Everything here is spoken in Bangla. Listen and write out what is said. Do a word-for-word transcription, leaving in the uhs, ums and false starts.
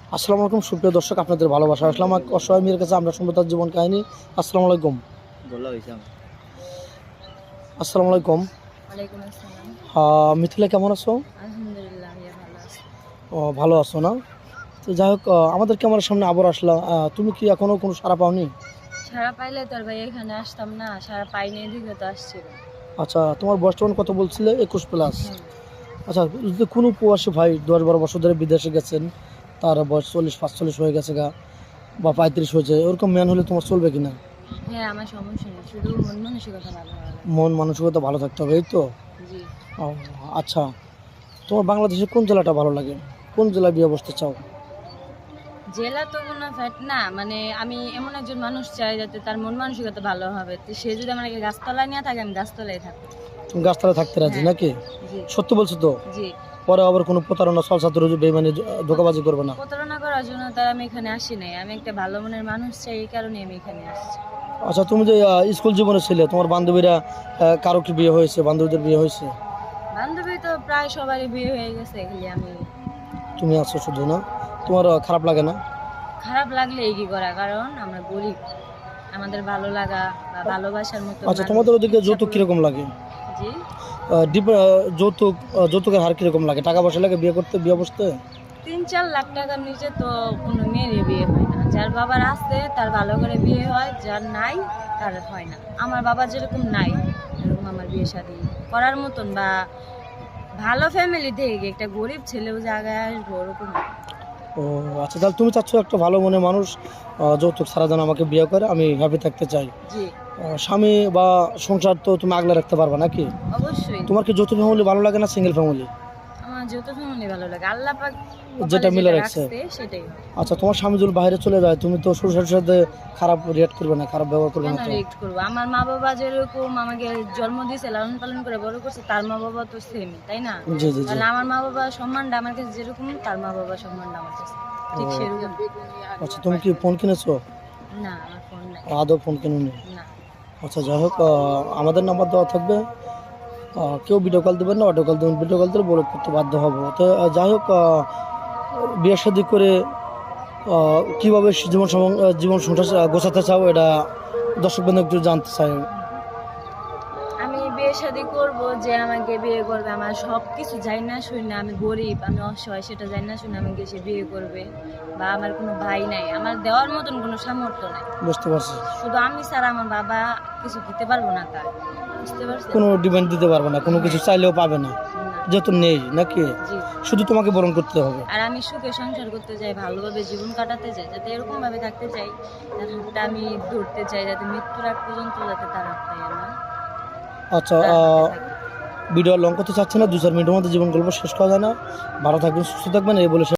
আসসালামু আলাইকুম সুপ্রিয় দর্শক, আপনাদের ভালোবাসা আসলাম এক অসহায় মেয়ের কাছে আমরা শুনবো তার জীবন কাহিনী। আসসালামু আলাইকুম। আসসালামু আলাইকুম। ওয়ালাইকুম আসসালাম। আহ, মিথিলা কেমন আছো? আলহামদুলিল্লাহ, ভাইয়া ভালো আছি। ও, ভালো আছো না? তো যাই হোক, আহ, আমাদের ক্যামেরার সামনে আবার আসলা, আহ, তুমি কি এখনো কোনো সাড়া পাওনি? সারা পাইলে তো আর ভাই এখানে আসতাম না, সারা পাইনি এদিকে তো আসছিল। আচ্ছা, তোমার বয়স তখন কত বলছিলে? একুশ প্লাস। হুম। আচ্ছা, যদি কোনো প্রবাসী ভাই দশ বারো বছর ধরে বিদেশে গেছেন, তার বয়স চল্লিশ পাঁচচল্লিশ হয়ে গেছে গা, বা পঁয়ত্রিশ হয়েছে, ওরকম ম্যান হলে তোমার চলবে কিনা? হ্যাঁ, আমার সমস্যা নেই, শুধু মন মানসিকতা ভালো হবে। মন মানসিকতা ভালো থাকতে হবে, এই তো। জি। ও, আচ্ছা, তোমার বাংলাদেশের কোন জেলাটা ভালো লাগে? কোন জেলায় বিয়ে বসতে চাও? জেলা তো কোনো ফ্যাট না, মানে আমি এমন একজন মানুষ চাই যাতে তার মন মানসিকতা ভালো হবে, তো সে যদি আমাকে গাছতলায় নিয়ে থাকে আমি গাছতলায় থাকবো। তুমি গাছতলায় থাকতে রাজি হ্যাঁ। নাকি? জি। সত্যি বলছো তো? জি। পরে আবার কোনো প্রতারণা ছলছাতুর বেমানি ধোকাবাজি করবে না? প্রতারণা করার জন্য তার আমি এখানে আসি নাই, আমি একটা ভালো মনের মানুষ চাই, এই কারণে আমি এখানে আসছি। আচ্ছা, তুমি যে আহ, স্কুল জীবনে ছিলে, তোমার বান্ধবীরা আহ, কারো কি বিয়ে হয়েছে? বান্ধবীদের বিয়ে হয়েছে? বান্ধবী তো প্রায় সবারই বিয়ে হয়ে গেছে, খালি আমি। তুমি আছো শুধু না? তোমার আহ, খারাপ লাগে না? খারাপ লাগলে কি করা, কারণ আমরা গরিব, আমাদের ভালো লাগা বা ভালোবাসার মতো আচ্ছা, মানুষ তোমাদের ওদিকে ইচ্ছা যৌতুক করে- কিরকম লাগে? জি। আহ, ডিপ- আহ, যৌতুক আহ, যৌতুকের হার কিরকম লাগে? টাকা পয়সা লাগে বিয়ে করতে, বিয়ে বসতে? তিন চার লাখ টাকার নিচে তো কোনো মেয়েরই বিয়ে হয় না। যার বাবার আছে তার ভালো করে বিয়ে হয়, যার নাই তার হয় না। আমার বাবা যেরকম নাই, এরকম আমার বিয়ে শাদী করার মতন বা ভালো ফ্যামিলি থেকে একটা গরিব ছেলেও জায়গায় আসবো ওরকম না। ও, আচ্ছা, তাহলে তুমি চাচ্ছ একটা ভালো মনে মানুষ আহ, যৌতুক ছাড়া যেন আমাকে বিয়ে করে, আমি হ্যাপি থাকতে চাই। জি। আহ, স্বামী বা সংসার তো তুমি আগলে রাখতে পারবে নাকি? অবশ্যই। তোমার কি যৌথ ফ্যামিলি ভালো লাগে না সিঙ্গেল ফ্যামিলি? আমার যত ফ্যামিলি ভালো লাগে, আল্লাহ পাক কপালে যেটা মিলে যেটা রাখছে। রাখছে সেটাই। আচ্ছা, তোমার স্বামী যদি বাইরে চলে যায়, তুমি তো শ্বশুরের সাথে খারাপ রিয়েক্ট করবে না, খারাপ ব্যবহার করবে কেন না তো? রিয়েক্ট করবো? আমার মা বাবা যেরকম আমাকে জন্ম দিয়েছে, লালন পালন করে বড় করছে, তার মা বাবা তো সেম, তাই না? জি জি জি। তাহলে আমার মা বাবা সম্মানটা আমার কাছে যেরকম, তার মা বাবা সম্মানটা আমার কাছে ঠিক ও, সেরকম। আচ্ছা, তুমি কি ফোন কিনেছো? না, আমার ফোন নাই। আদৌ ফোন কিনুনি? না। আচ্ছা, যাই হোক, আহ, আমাদের নাম্বার দেওয়া থাকবে। আহ, কেউ ভিডিও কল দেবেন না, অডিও কল দেবেন। ভিডিও কল দিলে বলে করতে বাধ্য হবো। তো আহ, যাই হোক, আহ, বিয়ে শাদী করে আহ, কিভাবে জীবন সম- আহ, জীবন সংসার আহ, গোছাতে চাও, এটা দর্শক বন্ধু একটু জানতে চাই। আমি বিয়ে শাদী করবো, যে আমাকে বিয়ে করবে আমার সব কিছু যাই না শুনি না, আমি গরিব, আমি অসহায়, সেটা যাই না শুনে আমাকে সে বিয়ে করবে। বা আমার কোনো ভাই নাই, আমার দেওয়ার মতন কোনো সামর্থ্য নাই। বুঝতে পারছি। শুধু আমি ছাড়া আমার বাবা কিছু দিতে পারবো না তার, বুঝতে পারছেন? কোনো ডিমান্ড দিতে পারবে না, কোনো কিছু চাইলেও পাবে না, না। যেহেতু নেই নাকি? জি। শুধু তোমাকে বরণ করতে হবে। আর আমি সুখে সংসার করতে চাই, ভালোভাবে জীবন কাটাতে চাই, যাতে এরকম ভাবে থাকতে চাই, তার হাতটা আমি ধরতে চাই, যাতে মৃত্যুর আগ পর্যন্ত যাতে তার হাতটা আমার আচ্ছা, তার আহ, হাতে থাকে। ভিডিও লং করতে চাচ্ছি না, দু চার মিনিটের মধ্যে জীবন গল্প শেষ করা যায় না। ভালো থাকবেন, সুস্থ থাকবেন, এই বলে